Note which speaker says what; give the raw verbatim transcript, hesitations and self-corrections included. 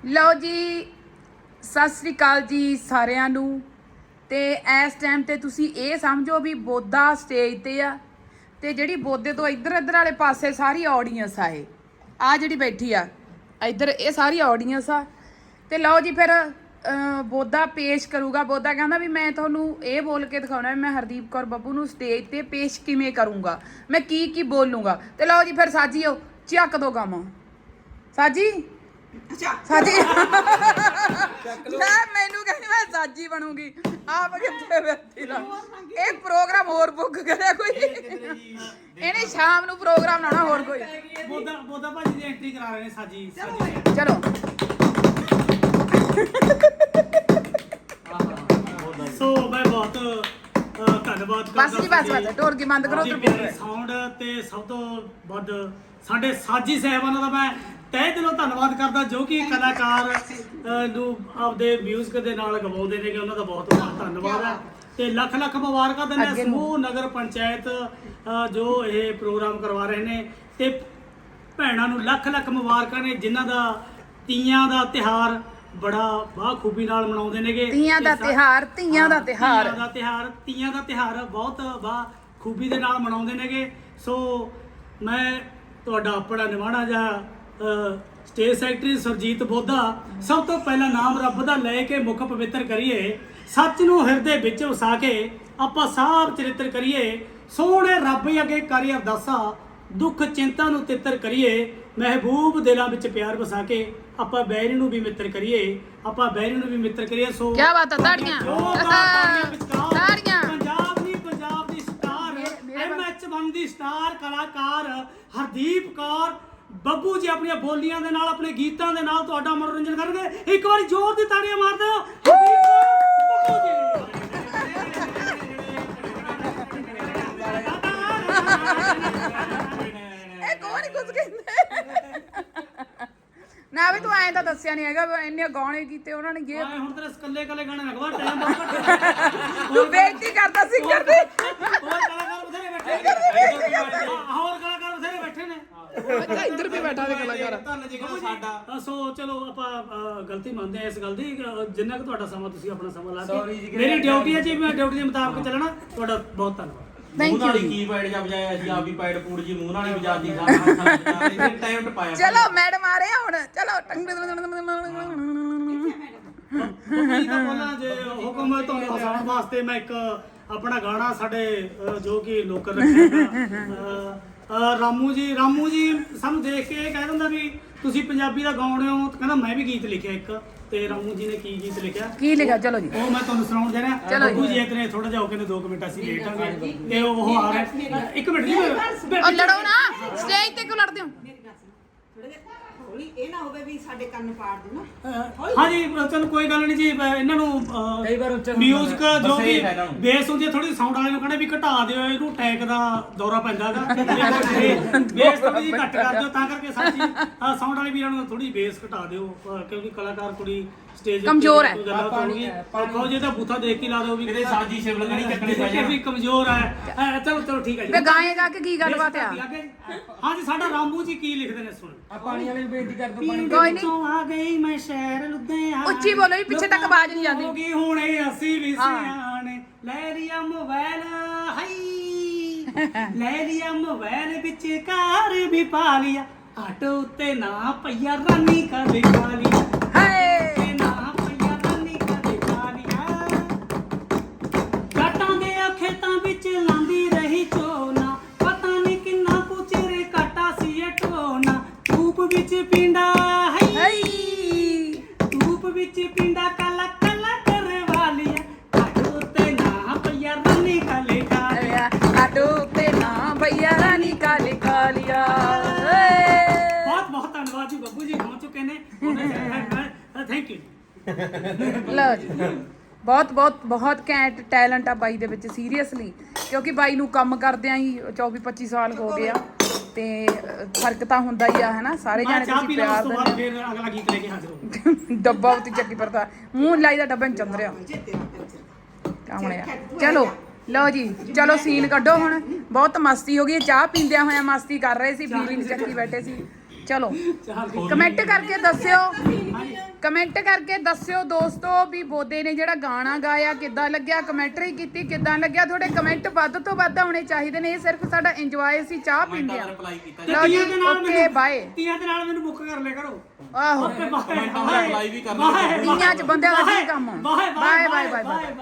Speaker 1: ਲਓ ਜੀ, ਸਤਿ ਸ੍ਰੀ ਅਕਾਲ ਜੀ ਸਾਰਿਆਂ ਨੂੰ। ਤੇ ਇਸ ਟਾਈਮ ਤੇ ਤੁਸੀਂ ਇਹ ਸਮਝੋ ਵੀ ਬੋਦਾ ਸਟੇਜ ਤੇ ਆ ਤੇ ਜਿਹੜੀ ਬੋਦੇ ਤੋਂ ਇੱਧਰ ਇੱਧਰ ਵਾਲੇ ਪਾਸੇ ਸਾਰੀ ਆਡੀਅנס ਆ। ਇਹ ਆ ਜਿਹੜੀ ਬੈਠੀ ਆ ਇੱਧਰ, ਇਹ ਸਾਰੀ ਆਡੀਅנס ਆ। ਤੇ ਲਓ ਜੀ ਫਿਰ ਬੋਦਾ ਪੇਸ਼ ਕਰੂਗਾ। ਬੋਦਾ ਕਹਿੰਦਾ ਵੀ ਮੈਂ ਤੁਹਾਨੂੰ ਇਹ ਬੋਲ ਕੇ ਦਿਖਾਉਣਾ ਵੀ ਮੈਂ ਹਰਦੀਪ ਕੌਰ ਬੱਬੂ ਨੂੰ ਸਟੇਜ ਤੇ ਪੇਸ਼ ਕਿਵੇਂ ਕਰੂੰਗਾ, ਮੈਂ ਕੀ ਕੀ ਬੋਲੂੰਗਾ। ਤੇ ਲਓ ਜੀ ਫਿਰ ਸਾਜੀਓ ਚੱਕ ਦੋ ਕੰਮ। ਸਾਜੀ ਸਾਜੀ ਲੈ ਮੈਨੂੰ ਕਹਿੰਦੀ ਮੈਂ ਸਾਜੀ ਬਣੂਗੀ, ਆਪ ਕਿੱਥੇ ਬੈਠੀ ਲਾ। ਇਹ ਪ੍ਰੋਗਰਾਮ ਹੋਰ ਬੁੱਕ ਕਰਿਆ ਕੋਈ, ਇਹਨੇ ਸ਼ਾਮ ਨੂੰ ਪ੍ਰੋਗਰਾਮ ਲਾਉਣਾ ਹੋਰ ਕੋਈ।
Speaker 2: ਬੋਦਾ ਬੋਦਾ ਭਾਜੀ ਦੀ ਐਂਟਰੀ ਕਰਾ ਰਹੇ ਨੇ ਸਾਜੀ ਸਾਜੀ।
Speaker 1: ਚਲੋ
Speaker 2: ਸੋ ਮੈਂ ਬਹੁਤ ਧੰਨਵਾਦ ਕਰਦਾ।
Speaker 1: ਬਸ ਜੀ ਬਸ ਬਸ ਢੋਲਕੀ ਬੰਦ ਕਰੋ ਤੇ
Speaker 2: ਸਾਊਂਡ ਤੇ ਸਭ ਤੋਂ ਵੱਧ ਸਾਡੇ ਸਾਜੀ ਸਾਹਿਬਾਨਾਂ ਦਾ ਮੈਂ ਤਹਿ ਦਿਲੋਂ ਧੰਨਵਾਦ ਕਰਦਾ, ਜੋ ਕਿ ਕਲਾਕਾਰ ਨੂੰ ਆਪਦੇ ਮਿਊਜ਼ਿਕ ਦੇ ਨਾਲ ਗਵਾਉਂਦੇ ਨੇ। ਕਿ ਉਹਨਾਂ ਦਾ ਬਹੁਤ ਬਹੁਤ ਧੰਨਵਾਦ ਹੈ ਤੇ ਲੱਖ ਲੱਖ ਮੁਬਾਰਕਾਂ ਦਿੰਦੇ ਆ ਸਮੂਹ ਨਗਰ ਪੰਚਾਇਤ ਜੋ ਇਹ ਪ੍ਰੋਗਰਾਮ ਕਰਵਾ ਰਹੇ ਨੇ। ਤੇ ਭੈਣਾਂ ਨੂੰ ਲੱਖ ਲੱਖ ਮੁਬਾਰਕਾਂ ਨੇ ਜਿਨ੍ਹਾਂ ਦਾ ਤੀਆਂ ਦਾ ਤਿਉਹਾਰ ਬੜਾ ਬਾਖੂਬੀ ਨਾਲ ਮਨਾਉਂਦੇ ਨੇਗੇ।
Speaker 1: ਤੀਆਂ ਦਾ ਤਿਉਹਾਰ ਧੀਆਂ ਦਾ ਤਿਉਹਾਰ
Speaker 2: ਤੀਆਂ ਦਾ ਤਿਉਹਾਰ ਤੀਆਂ ਦਾ ਤਿਉਹਾਰ ਬਹੁਤ ਬਾਖੂਬੀ ਦੇ ਨਾਲ ਮਨਾਉਂਦੇ ਨੇਗੇ। ਸੋ ਮੈਂ ਤੁਹਾਡਾ ਆਪਣਾ ਨਿਮਾਣਾ ਜਿਹਾ ਸਟੇਜ ਸੈਕਟਰੀ ਸੁਰਜੀਤ ਬੋਦਾ ਸਭ ਤੋਂ ਪਹਿਲਾਂ ਨਾਮ ਰੱਬ ਦਾ ਲੈ ਕੇ ਮੁੱਖ ਪਵਿੱਤਰ ਕਰੀਏ, ਸੱਚ ਨੂੰ ਹਿਰਦੇ ਵਿੱਚ ਵਸਾ ਕੇ ਆਪਾਂ ਸਾਬ ਚਰਿੱਤਰ ਕਰੀਏ। ਸੋਹਣੇ ਰੱਬ ਅੱਗੇ ਕਰੀਏ ਅਰਦਾਸਾਂ, ਦੁੱਖ ਚਿੰਤਾ ਨੂੰ ਤਿੱਤਰ ਕਰੀਏ। ਮਹਿਬੂਬ ਦਿਲਾਂ ਵਿੱਚ ਪਿਆਰ ਵਸਾ ਕੇ ਆਪਾਂ ਬੈਰੀ ਨੂੰ ਵੀ ਮਿੱਤਰ ਕਰੀਏ, ਆਪਾਂ ਬੈਰੀ ਨੂੰ ਵੀ ਮਿੱਤਰ ਕਰੀਏ। ਸੋ
Speaker 1: ਕੀ ਬਾਤ ਹੈ, ਤਾੜੀਆਂ ਤਾੜੀਆਂ।
Speaker 2: ਪੰਜਾਬ ਦੀ ਪੰਜਾਬ ਦੀ ਸਟਾਰ ਐਮ ਐਚ ਵਨ ਦੀ ਸਟਾਰ ਕਲਾਕਾਰ ਹਰਦੀਪ ਕੌਰ ਬੱਬੂ ਜੀ ਆਪਣੀਆਂ ਬੋਲੀਆਂ ਦੇ ਨਾਲ, ਆਪਣੇ ਗੀਤਾਂ ਦੇ ਨਾਲ ਤੁਹਾਡਾ ਮਨੋਰੰਜਨ ਕਰਨਗੇ। ਇੱਕ ਵਾਰੀ ਜ਼ੋਰ ਦੀ ਤਾੜੀਆਂ ਮਾਰ ਦਿਓ ਬੱਬੂ ਜੀ।
Speaker 1: ਇਹ ਕੋਣ ਕੁਝ ਕਹਿੰਦੇ ਨਾ ਵੀ ਤੂੰ ਐਂ ਤਾਂ ਦੱਸਿਆ ਨਹੀਂ ਹੈਗਾ ਇੰਨੇ ਗਾਣੇ ਕੀਤੇ ਉਹਨਾਂ ਨੇ। ਇਹ
Speaker 2: ਹੁਣ ਤੇਰੇ ਇਕੱਲੇ ਇਕੱਲੇ ਗਾਣੇ ਲਗਵਾ ਟਾਈਮ ਬਹੁਤ
Speaker 1: ਤੂੰ ਬੇਇੱਜ਼ਤੀ ਕਰਦਾ ਸਿੰਗਰ ਦੀ।
Speaker 2: ਹੋਰ ਕਲਾਕਾਰ ਬਥੇਰੇ ਬੈਠੇ ਨੇ, ਹੋਰ ਕਲਾਕਾਰ ਬਥੇਰੇ ਬੈਠੇ ਨੇ।
Speaker 1: ਅੱਛਾ ਇੱਧਰ ਵੀ ਬੈਠਾ ਦੇ ਕਲਾਕਾਰ
Speaker 2: ਧੰਨ ਜੀ ਸਾਡਾ। ਸੋ ਚਲੋ ਆਪਾਂ ਗਲਤੀ ਮੰਨਦੇ ਆ ਇਸ ਗੱਲ ਦੀ। ਜਿੰਨਾ ਕਿ ਤੁਹਾਡਾ ਸਮਾਂ ਤੁਸੀਂ ਆਪਣਾ ਸਮਾਂ ਲਾ ਕੇ, ਮੇਰੀ ਡਿਊਟੀ ਹੈ ਜੀ, ਮੈਂ ਡਿਊਟੀ ਦੇ ਮੁਤਾਬਕ ਚੱਲਣਾ। ਤੁਹਾਡਾ ਬਹੁਤ ਧੰਨਵਾਦ।
Speaker 1: ਥੈਂਕ ਯੂ ਜੀ।
Speaker 3: ਕੀ ਪੈਡ ਜਾ ਵਜਾਇਆ ਅਸੀਂ ਆਪ ਹੀ ਪੈਡ ਪੂੜ ਜੀ ਮੂੰਹ ਨਾਲ ਹੀ ਵਜਾਦੀ ਸਾਰਾ ਟਾਈਮ ਟਪਾਇਆ।
Speaker 1: ਚਲੋ ਮੈਡਮ ਆ ਰਹੇ ਆ ਹੁਣ। ਚਲੋ
Speaker 2: ਕੀ ਤਾਂ ਬੋਲਾਂ ਜੇ ਹੁਕਮ ਤੁਹਾਨੂੰ ਹਸਾਉਣ ਵਾਸਤੇ ਮੈਂ ਇੱਕ ਆਪਣਾ ਗਾਣਾ ਸਾਡੇ ਜੋ ਕਿ ਲੋਕਰ ਰੱਖਿਆ ਰਾਮੂ ਜੀ ਰਾਮੂ ਜੀ ਸਾਨੂੰ ਦੇਖ ਕੇ ਇਹ ਕਹਿ ਦਿੰਦਾ ਵੀ ਤੁਸੀਂ ਪੰਜਾਬੀ ਦਾ ਗਾਉਂਦੇ ਹੋ। ਕਹਿੰਦਾ ਮੈਂ ਵੀ ਗੀਤ ਲਿਖਿਆ ਇੱਕ। ਤੇ ਰਾਮੂ ਜੀ ਨੇ ਕੀ ਗੀਤ ਲਿਖਿਆ
Speaker 1: ਕੀ ਲਿਖਿਆ ਚਲੋ ਜੀ
Speaker 2: ਉਹ ਮੈਂ ਤੁਹਾਨੂੰ ਸੁਣਾਉਣ ਦੇ ਰਿਹਾ। ਬੱਬੂ ਜੀ ਇਤਨੇ ਥੋੜਾ ਜਿਹਾ ਹੋ ਕੇ ਦੋ ਕੁ ਮਿੰਟ ਅਸੀਂ ਲੇਟ ਆਂਗੇ ਤੇ ਉਹ ਆ ਰਿਹਾ। ਇੱਕ ਮਿੰਟ ਜੀ
Speaker 1: ਉਹ ਲੜੋ ਨਾ, ਸਟੇਜ ਤੇ ਕਿਉਂ ਲੜਦੇ ਹੋ?
Speaker 4: ਇਹ ਨਾ ਹੋਵੇ ਵੀ ਸਾਡੇ ਕੰਨ ਪਾੜ ਦੇਣਾ।
Speaker 2: ਹਾਂਜੀ ਚਲੋ ਕੋਈ ਗੱਲ ਨਹੀਂ ਜੀ। ਇਹਨਾਂ ਨੂੰ ਕਈ ਵਾਰ ਮਿਊਜ਼ਿਕ ਜੋ ਕਿ ਬੇਸ ਹੁੰਦੀ ਹੈ ਥੋੜੀ ਸਾਊਂਡ ਵਾਲੇ ਨੂੰ ਕਹਿੰਦੇ ਵੀ ਘਟਾ ਦਿਓ, ਇਹਨੂੰ ਟੈਕ ਦਾ ਦੌਰਾ ਪੈਂਦਾ ਹੈਗਾ। ਬੇਸ ਥੋੜੀ ਜਿਹੀ ਘੱਟ ਕਰ ਦਿਓ, ਤਾਂ ਕਰਕੇ ਸਾਡੀ ਸਾਊਂਡ ਵਾਲੇ ਵੀਰਾਂ ਨੂੰ ਥੋੜੀ ਬੇਸ ਘਟਾ ਦਿਓ ਕਿਉਂਕਿ ਕਲਾਕਾਰ ਕੁੜੀ ਸਟੇਜ
Speaker 1: ਕਮਜ਼ੋਰ ਹੈ।
Speaker 2: ਕਹੋ ਜੇ ਤਾਂ ਬੂਥਾ ਦੇਖ ਕੇ ਲਾ ਦਿਓ ਵੀ
Speaker 3: ਇਹਦੇ ਸਾਜੀ ਸ਼ਿਵ ਲੱਗਣੀ ਚੱਕਣੀ ਪੈ
Speaker 2: ਵੀ ਕਮਜ਼ੋਰ ਹੈ। ਚਲੋ ਚਲੋ ਠੀਕ ਹੈ ਜੀ।
Speaker 1: ਵੇ ਗਾਏ ਗਾ ਕੇ ਕੀ ਗੱਲਬਾਤ ਆ?
Speaker 2: ਹਾਂਜੀ ਸਾਡਾ ਰਾਮੂ ਜੀ ਕੀ ਲਿਖਦੇ ਨੇ ਸੁਣ।
Speaker 3: ਆ ਪਾਣੀ ਵਾਲੇ ਨੂੰ ਬੇਨਤੀ ਕਰ ਦੋ ਪਾਣੀ।
Speaker 1: ਕੋਈ ਨਹੀਂ
Speaker 2: ਆ ਗਈ ਮੈਂ ਸ਼ਹਿਰ ਲੁਧਿਆਣਾ।
Speaker 1: ਉੱਚੀ ਬੋਲੋ ਵੀ ਪਿੱਛੇ ਤੱਕ ਆਵਾਜ਼ ਨਹੀਂ ਜਾਂਦੀ।
Speaker 2: ਹੋ ਗਈ ਹੁਣੇ ਅਸੀਂ ਵੀ ਸਿਆਣੇ ਲੈ ਲਿਆ ਮੋਬਾਈਲ ਹਾਈ ਲੈ ਲਿਆ ਮੋਬਾਈਲ ਵਿੱਚ ਕਾਰ ਵੀ ਪਾ ਲਿਆ। ਆਟੋ ਉੱਤੇ ਨਾ ਪਈਆ ਰਾਨੀ ਕਦੇ ਖਾ ਲਿਆ।
Speaker 1: ਹਾਏ
Speaker 2: ਨਾ ਪਈਆ ਰਾਨੀ ਕਦੇ ਖਾ ਲਿਆ। ਕਾਟਾਂ ਦੇ ਖੇਤਾਂ ਵਿੱਚ ਲਾਂਦੀ ਰਹੀ ਝੋਨਾ, ਪਤਾ ਨਹੀਂ ਕਿੰਨਾ ਕੁ ਚਿਰ ਕਾਟਾ ਸੀ ਇਹ ਢੋਣਾ। ਧੂਪ ਵਿੱਚ ਪਿੰਡਾ ਹਾਈ ਧੂਪ ਵਿੱਚ ਪਿੰਡਾ ਕਾਲਾ ਕਾਲਾ ਕਰਵਾ ਲਿਆ। ਆਟੋ ਤੇ ਨਾ ਪਈਆ ਰਾਨੀ ਕਾਲੇ ਖਾ ਲਿਆ।
Speaker 1: ਆਟੋ ਤੇ ਨਾ ਭਈਆ ਰਾਨੀ ਕਾਲੇ ਖਾ ਲਿਆ।
Speaker 2: ਬਹੁਤ ਬਹੁਤ ਧੰਨਵਾਦ ਜੀ। ਬੱਬੂ ਜੀ ਪਹੁੰਚ ਚੁੱਕੇ ਨੇ। Thank you.
Speaker 1: ਲਓ ਜੀ ਬਹੁਤ ਬਹੁਤ ਬਹੁਤ ਘੈਂਟ ਟੈਲੈਂਟ ਆ ਬਾਈ ਦੇ ਵਿੱਚ ਸੀਰੀਅਸਲੀ, ਕਿਉਂਕਿ ਬਾਈ ਨੂੰ ਕੰਮ ਕਰਦਿਆਂ ਹੀ ਚੌਵੀ ਪੱਚੀ ਸਾਲ ਹੋ ਗਏ ਆ ਤੇ ਫਰਕ ਤਾਂ ਹੁੰਦਾ ਹੀ ਆ ਹਨਾ। ਸਾਰੇ ਜਾਣੇ ਤੁਸੀਂ ਪਿਆਰ
Speaker 2: ਦਿੰਦੇ ਫਿਰ ਅਗਲਾ ਗੀਤ ਲੈ ਕੇ ਹਾਜ਼ਰ ਹੋ।
Speaker 1: ਡੱਬਾ ਉੱਤੇ ਚੱਕੀ ਪਰਦਾ ਮੂੰਹ ਲਾਈ ਦਾ ਡੱਬੇ ਨੂੰ ਚੰਦ ਰਿਹਾ ਕਾਮਣਿਆ। ਚਲੋ ਲਓ ਜੀ ਚਲੋ ਸੀਨ ਕੱਢੋ ਹੁਣ। ਬਹੁਤ ਮਸਤੀ ਹੋ ਗਈ, ਚਾਹ ਪੀਂਦਿਆਂ ਹੋਇਆ ਮਸਤੀ ਕਰ ਰਹੇ ਸੀ, ਫੀਲਿੰਗ ਚੱਕੀ ਬੈਠੇ ਸੀ। ਚਲੋ ਕਮੈਂਟ ਕਰਕੇ ਦੱਸਿਓ ਕਮੈਂਟ ਕਰਕੇ ਦੱਸਿਓ ਦੋਸਤੋ ਵੀ ਬੋਦੇ ਨੇ ਜਿਹੜਾ ਗਾਣਾ ਗਾਇਆ ਕਿੱਦਾਂ ਲੱਗਿਆ, ਕਮੈਂਟਰੀ ਕੀਤੀ ਕਿੱਦਾਂ ਲੱਗਿਆ। ਤੁਹਾਡੇ ਕਮੈਂਟ ਵੱਧ ਤੋਂ ਵੱਧ ਆਉਣੇ ਚਾਹੀਦੇ ਨੇ। ਇਹ ਸਿਰਫ ਸਾਡਾ ਇੰਜੋਏ ਸੀ, ਚਾਹ ਪੀਂਦੇ ਆ।
Speaker 3: ਰਿਪਲਾਈ ਕੀਤਾ
Speaker 2: ਤੇ
Speaker 1: ਲਓ ਜੀ,
Speaker 2: ਤੀਆਂ ਦੇ ਨਾਲ
Speaker 1: ਓਕੇ
Speaker 2: ਮੈਨੂੰ
Speaker 1: ਬਾਏ।
Speaker 2: ਤੀਆਂ ਦੇ ਨਾਲ ਮੈਨੂੰ ਬੁੱਕ ਕਰ ਲਿਆ ਕਰੋ।
Speaker 1: ਆਹੋ
Speaker 2: ਓਕੇ ਬਾਏ
Speaker 3: ਕਮੈਂਟਾਂ ਦਾ ਰਿਪਲਾਈ ਵੀ ਕਰਨਾ
Speaker 1: ਤੀਆਂ ਚ ਬੰਦਿਆਂ ਦਾ ਕੀ ਕੰਮ ਆ?
Speaker 2: Bye
Speaker 1: bye bye bye bye.